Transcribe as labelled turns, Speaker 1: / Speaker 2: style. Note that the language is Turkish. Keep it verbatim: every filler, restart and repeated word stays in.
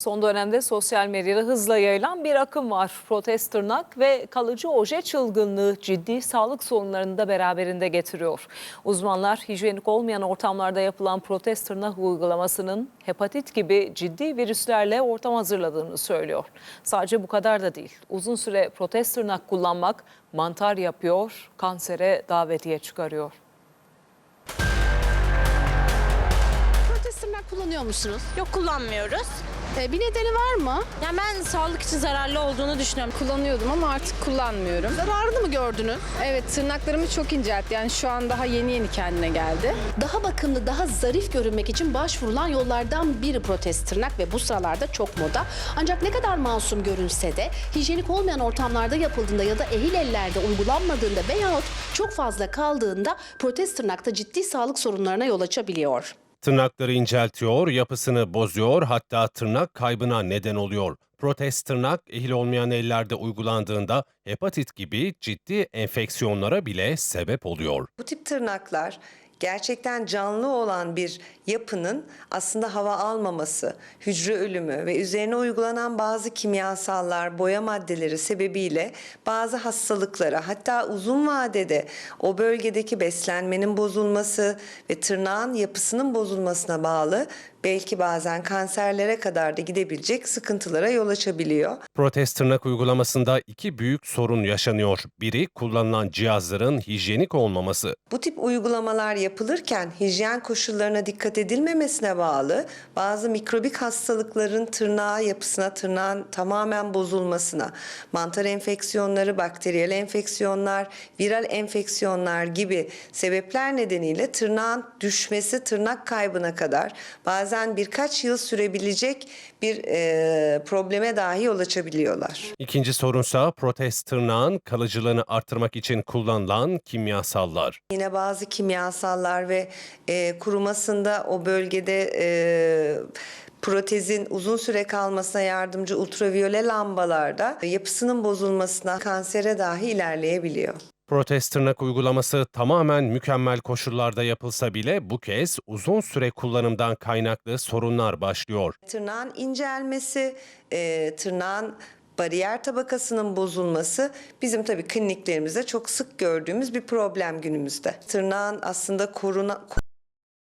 Speaker 1: Son dönemde sosyal medyada hızla yayılan bir akım var. Protez tırnak ve kalıcı oje çılgınlığı ciddi sağlık sorunlarını da beraberinde getiriyor. Uzmanlar hijyenik olmayan ortamlarda yapılan protez tırnak uygulamasının hepatit gibi ciddi virüslerle ortam hazırladığını söylüyor. Sadece bu kadar da değil. Uzun süre protez tırnak kullanmak mantar yapıyor, kansere davetiye çıkarıyor.
Speaker 2: Protez tırnak kullanıyor musunuz?
Speaker 3: Yok, kullanmıyoruz.
Speaker 2: Ee, bir nedeni var mı?
Speaker 3: Yani ben sağlık için zararlı olduğunu düşünüyorum.
Speaker 4: Kullanıyordum ama artık kullanmıyorum.
Speaker 2: Zararını mı gördünüz?
Speaker 4: Evet, tırnaklarımı çok inceltti. Yani şu an daha yeni yeni kendine geldi.
Speaker 2: Daha bakımlı, daha zarif görünmek için başvurulan yollardan biri protez tırnak ve bu sıralarda çok moda. Ancak ne kadar masum görünse de hijyenik olmayan ortamlarda yapıldığında ya da ehil ellerde uygulanmadığında veyahut çok fazla kaldığında protez tırnakta ciddi sağlık sorunlarına yol açabiliyor.
Speaker 5: Tırnakları inceltiyor, yapısını bozuyor, hatta tırnak kaybına neden oluyor. Protez tırnak ehil olmayan ellerde uygulandığında hepatit gibi ciddi enfeksiyonlara bile sebep oluyor.
Speaker 6: Bu tip tırnaklar gerçekten canlı olan bir yapının aslında hava almaması, hücre ölümü ve üzerine uygulanan bazı kimyasallar, boya maddeleri sebebiyle bazı hastalıklara, hatta uzun vadede o bölgedeki beslenmenin bozulması ve tırnağın yapısının bozulmasına bağlı belki bazen kanserlere kadar da gidebilecek sıkıntılara yol açabiliyor.
Speaker 5: Protez tırnak uygulamasında iki büyük sorun yaşanıyor. Biri, kullanılan cihazların hijyenik olmaması.
Speaker 6: Bu tip uygulamalar yapılırken hijyen koşullarına dikkat edilmemesine bağlı bazı mikrobik hastalıkların tırnağa yapısına, tırnağın tamamen bozulmasına, mantar enfeksiyonları, bakteriyel enfeksiyonlar, viral enfeksiyonlar gibi sebepler nedeniyle tırnağın düşmesi, tırnak kaybına kadar bazen birkaç yıl sürebilecek bir e, probleme dahi yol açabiliyorlar.
Speaker 5: İkinci sorunsa protez tırnağın kalıcılığını artırmak için kullanılan kimyasallar.
Speaker 6: Yine bazı kimyasallar ve e, kurumasında o bölgede e, protezin uzun süre kalmasına yardımcı ultraviyole lambalarda yapısının bozulmasına, kansere dahi ilerleyebiliyor.
Speaker 5: Protez tırnak uygulaması tamamen mükemmel koşullarda yapılsa bile bu kez uzun süre kullanımdan kaynaklı sorunlar başlıyor.
Speaker 6: Tırnağın incelmesi, e, tırnağın bariyer tabakasının bozulması bizim tabii kliniklerimizde çok sık gördüğümüz bir problem günümüzde. Tırnağın aslında koruna